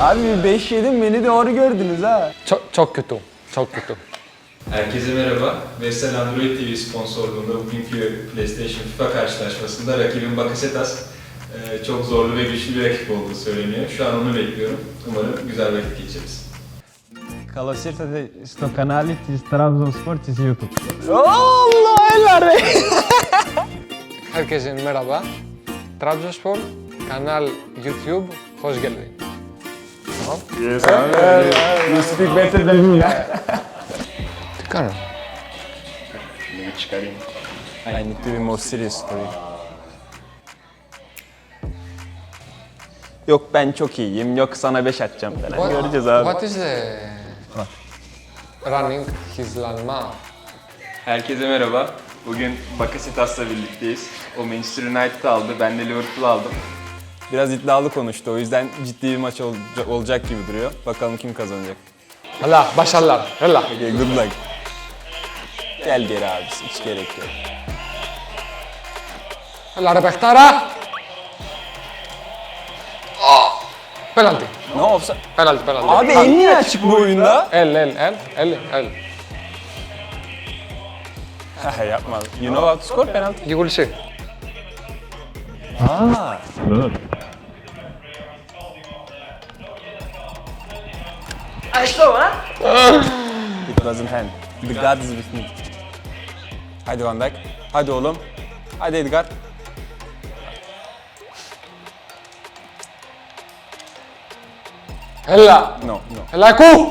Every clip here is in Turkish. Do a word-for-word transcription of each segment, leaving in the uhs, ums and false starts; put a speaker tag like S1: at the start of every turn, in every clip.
S1: Abi beş yedim beni doğru gördünüz ha.
S2: Çok, çok kötü. Çok kötü.
S3: Herkese merhaba. Vestel Android T V sponsorluğunda bugünkü PlayStation FIFA karşılaşmasında rakibim Bakasetas e, çok zorlu ve güçlü bir rakip olduğu söyleniyor. Şu an onu bekliyorum. Umarım güzel vakit geçiririz.
S4: Kalosirte sto kanali iz Trabzonspor iz YouTube.
S1: Allah helal be.
S2: Herkese merhaba. Trabzonspor, kanal YouTube, hoş geldin. Tamam.
S1: Yes, abi. You speak better than me ya.
S2: Çıkarın.
S3: Bunu çıkarayım.
S1: I need to be more serious for you. Yok ben çok iyiyim, yok sana beş atacağım falan. Göreceğiz abi.
S2: What is the running hızlanma?
S3: Herkese merhaba. Bugün Bakasetas'la birlikteyiz. O Manchester United aldı, ben de Liverpool aldım.
S1: Biraz iddialı konuştu, o yüzden ciddi bir maç olacak, olacak gibi duruyor. Bakalım kim kazanacak.
S2: Allah, başarılar. Allah.
S1: Okay, good luck. Gel geri abi, hiç gerek yok.
S2: Allah repektara. Oh! Penalty.
S1: Ne olsa?
S2: Penalty, penalty.
S1: Abi el niye açık bu oyunda?
S2: El, el, el, el, el.
S1: Haha yapma. You know how to score penalty?
S2: You will see.
S1: Aa. It wasn't hand. The God is with me. Hadi Van Dijk. Hadi oğlum. Hadi Edgar.
S2: Ella.
S1: No, no.
S2: Ella ku.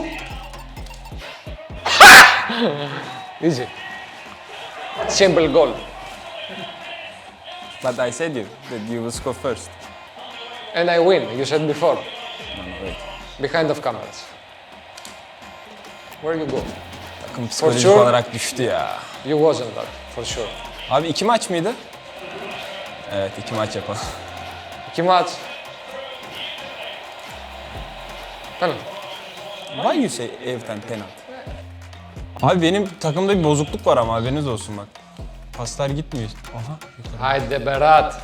S2: Easy. Simple goal.
S1: But I said you that you will score first.
S2: And I win, you said before.
S1: No, no, wait.
S2: Behind of cameras. Where you go?
S1: Takım psikolojik
S2: sure.
S1: olarak düştü ya.
S2: You wasn't that, for sure.
S1: Abi iki maç mıydı? Evet, iki maç yapalım.
S2: İki maç. Penalty.
S1: Why you say evden penaltı? Abi benim takımda bir bozukluk var ama haberiniz olsun bak. Paslar gitmiyor. Aha. yukarı.
S2: Haydi Berat.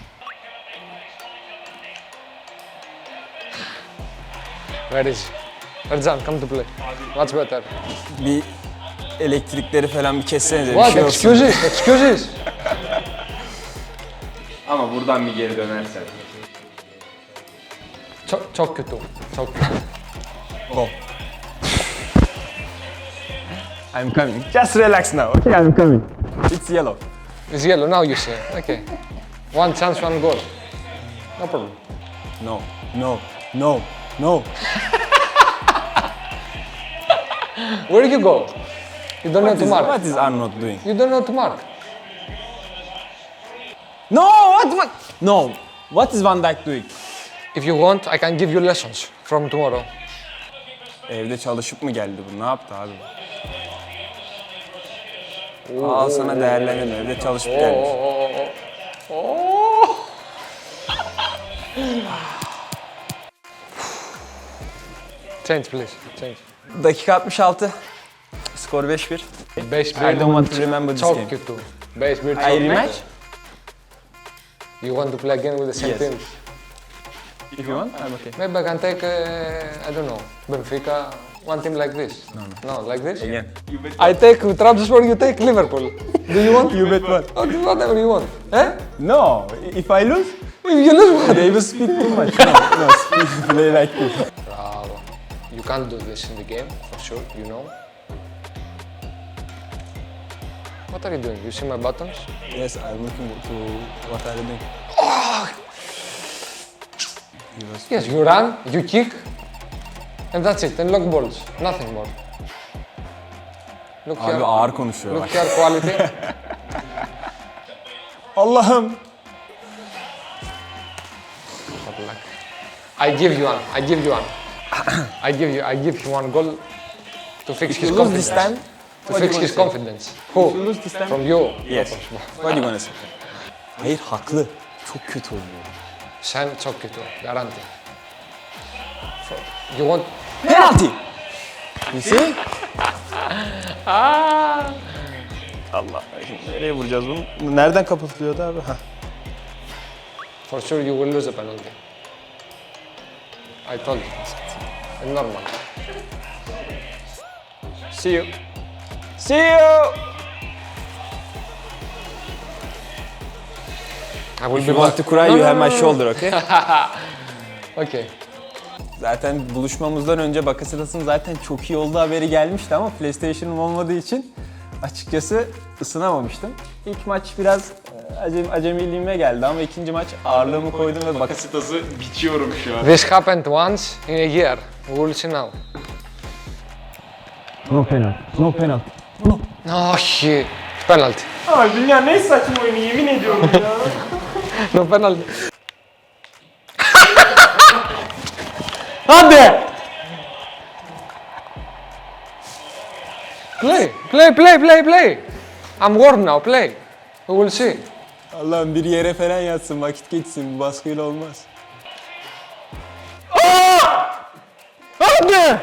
S2: Where is Ercan, come to play. Much better.
S1: Bir elektrikleri falan bir kessenize bir
S2: What?
S1: şey olsun.
S2: Excuses, excuses.
S3: Ama buradan bir geri dönersen.
S2: Çok, çok kötü, çok kötü.
S1: Go. I'm coming. Just relax now. Okay, I'm coming. It's yellow.
S2: It's yellow, now you see. Okay. One chance, one goal. No problem.
S1: No, no, no, no.
S2: Where you go? You don't know
S1: What
S2: to
S1: is,
S2: mark.
S1: what is Arnold doing?
S2: You don't know to mark.
S1: No, what, what? No. What is Van Dijk doing?
S2: If you want, I can give you lessons from tomorrow.
S1: Evde çalışıp mı geldi bu? Ne yaptı abi? Al sana değerlendirme. Evde çalışıp gelmiş.
S2: Change please, change.
S1: Dakika altmış altı. Skor beş bir.
S2: beş bir.
S1: I don't want to remember this
S2: Çok
S1: game.
S2: kötü. beş bir çok
S1: I rematch?
S2: kötü. You want to play again with the same
S1: Yes.
S2: team?
S1: If you want, I'm okay.
S2: Maybe I can take, uh, I don't know, Benfica, one team like this. No, no. No, like this?
S1: Again.
S2: I take Trabzonspor, you take Liverpool. Do you want?
S1: You bet what?
S2: Okay, whatever you want. Eh?
S1: No, if I lose,
S2: If you lose what?
S1: they will speak too much. No, no, speak, play like this.
S2: Bravo. You can't do this in the game, for sure, you know. What are you doing? You see my buttons?
S1: Yes, I'm looking to what are you doing. He was-
S2: Yes, you run, you kick, and that's it, and lock balls, nothing more. Look
S1: Abi
S2: here,
S1: ağır konuşuyor bak.
S2: look here quality.
S1: Allah'ım.
S2: Bad luck. I give you one, I give you one. I give you, I give him one goal to fix his
S1: you lose
S2: confidence.
S1: this time,
S2: To
S1: what do you
S2: fix
S1: wanna
S2: his
S1: say?
S2: confidence. Who?
S1: you lose this time-
S2: From you.
S1: Yes. What do you wanna say? Hayır haklı. Çok kötü oynuyor.
S2: Sen çok kötü, garanti. You want?
S1: Penalty. You see? Allah. Şimdi nereye vuracağız bunu? Nereden kapatılıyordu abi? Heh.
S2: For sure you will lose the penalty. I told you. It's normal.
S1: See you. See you.
S2: I will
S1: If
S2: be
S1: you want
S2: back.
S1: to cry,
S2: No,
S1: you
S2: no,
S1: have
S2: no,
S1: my
S2: no.
S1: shoulder, okay?
S2: Okay.
S1: Zaten buluşmamızdan önce Bakasetas'ın zaten çok iyi olduğu haberi gelmişti ama PlayStation'ım olmadığı için açıkçası ısınamamıştım. İlk maç biraz e, acem, acemiliğime geldi ama ikinci maç ağırlığımı koydum ve Bakasetas'ı biçiyorum şu an.
S2: This happened once in a year. We will see now.
S4: No penalty. No penalty.
S2: No shit. Penalty.
S1: Abi dünya ne saçma oyunu yemin ediyorum ya.
S2: No penalty.
S1: Hadi!
S2: Play, play, play, play, play. I'm warm now. Play. We will see.
S1: Allah'ım bir yere falan yatsın, vakit geçsin. Bu baskıyla olmaz.
S2: Hadi.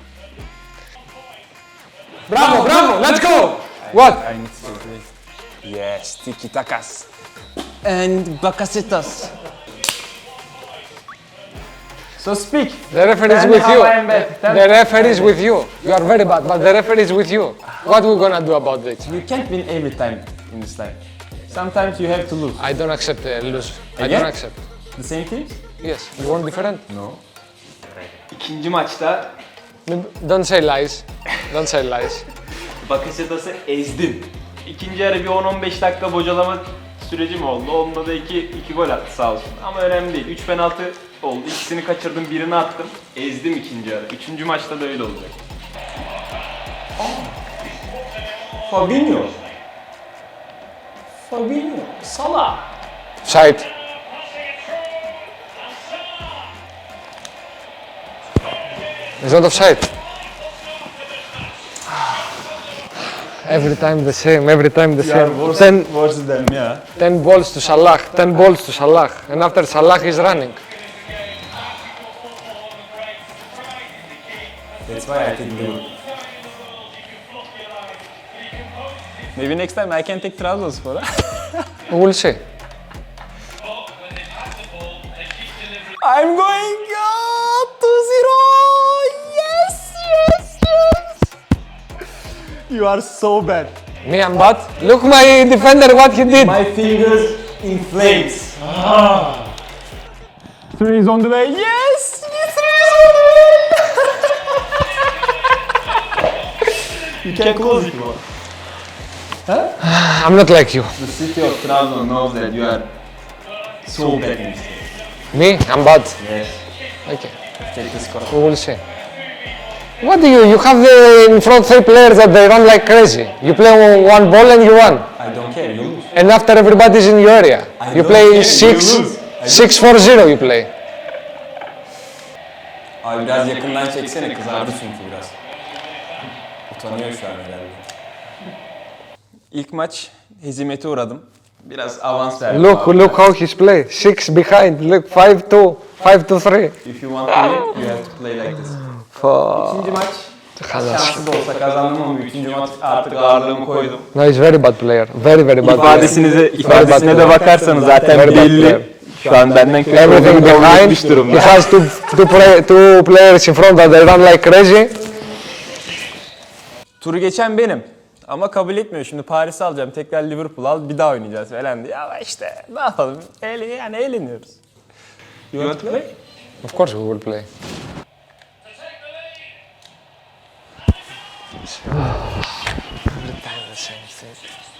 S2: Bravo, bravo. Let's go. What?
S1: I need to play. Yes, tiki takas. And Bakasetas. So speak.
S2: The referee is
S1: Tell me
S2: with
S1: how
S2: you.
S1: I am bad. Tell
S2: The
S1: me.
S2: referee is with you. You are very bad, but the referee is with you. What we gonna do about this?
S1: You can't win every time in this life. Sometimes you have to lose.
S2: I don't accept uh, lose. I
S1: Again?
S2: don't accept.
S1: The same teams?
S2: Yes. You want different?
S1: No. İkinci maçta
S2: Don't say lies. Don't say lies.
S1: Bakasetas'ı ezdim. İkinci yarı bir on on beş dakika bocalama sürecim oldu. Onunla da iki, iki gol attı sağ olsun. Ama önemli değil. Üç penaltı oldu. İkisini kaçırdım, birini attım. Ezdim ikinci yarı. Üçüncü maçta da öyle olacak. Fabinho. Fabinho. Salah.
S2: Side. It's not offside. Every time the same, every time the same. Ten,
S1: worse than ya.
S2: ten balls to Salah, ten balls to Salah. And after Salah is running.
S1: That's why I take Liverpool. Maybe next time I can take Trabzonspor.
S2: We will see.
S1: I'm going up to zero. Yes, yes, yes. You are so bad.
S2: Me and bad. Look my defender what he did.
S1: My fingers in flames. Three is on the way. Yes, three is on the way. You can close it more.
S2: I'm not like you.
S1: The city of Trabzon knows that you are so bad in this game.
S2: Me, I'm bad.
S1: Yes.
S2: Okay.
S1: Take the score.
S2: We will see. What do you? You have the in front three players that they run like crazy. You play one ball and you won.
S1: I don't care. You lose.
S2: And after everybody's in your area,
S1: I
S2: you
S1: don't
S2: play
S1: care,
S2: six,
S1: you lose. I
S2: six four zero. You play.
S1: Abi biraz yakından çeksene, kızardı çünkü biraz. Utanıyor şu an herhalde. İlk maç hezimete uğradım. Biraz avans verdim.
S2: Look,
S1: abi.
S2: look how he's play. Six behind. Look, five two, five to three.
S1: If you want to win, you have to play like this.
S2: For
S1: İkinci maç şanssız da olsa kazandım ama üçüncü maç artık ağırlığımı koydum.
S2: no, he's very bad player. Very very bad player.
S1: İfadesinize, ifadesine de bakarsanız zaten
S2: Very bad player.
S1: belli. Şu an benden kötü
S2: Everything
S1: olduğunu kabul
S2: behind.
S1: etmiş durumda.
S2: He has two two, play, two players in front that they run like crazy.
S1: Turu geçen benim. Ama kabul etmiyor. Şimdi Paris'i alacağım. Tekrar Liverpool al. Bir daha oynayacağız falan diye. Ama işte ne yapalım? Eğlen, yani eğleniyoruz. You want to play?
S2: Of course we will play. Every time the same thing.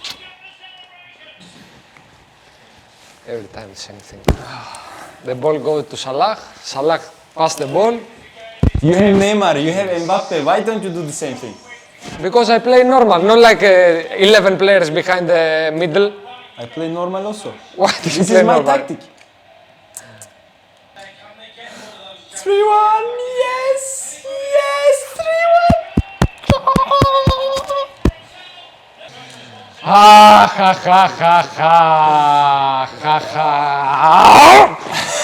S2: Every time the same thing. The ball goes to Salah. Salah pass the ball.
S1: You have Neymar, you have Mbappe. Why don't you do the same thing?
S2: Because I play normal, not like uh, eleven players behind the middle.
S1: I play normal also.
S2: Why do you
S1: This
S2: play
S1: is my
S2: normal?
S1: tactic. three one, yes! Yes! three one!
S2: Ha ha ha ha ha ha ha.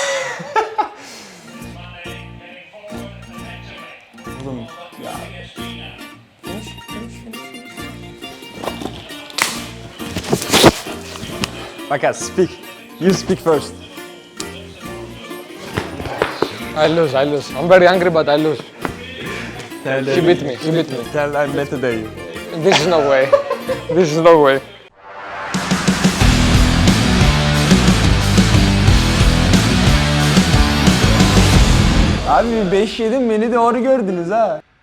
S1: Oğlum ya. Finish, finish, finish. Bakas, speak. You speak first.
S2: I lose, I lose. I'm very angry, but I lose.
S1: Tell
S2: He beat me, he beat me.
S1: Tell I'm better than you.
S2: This is no way. This is no way.
S1: Abi beş yedim beni doğru gördünüz ha.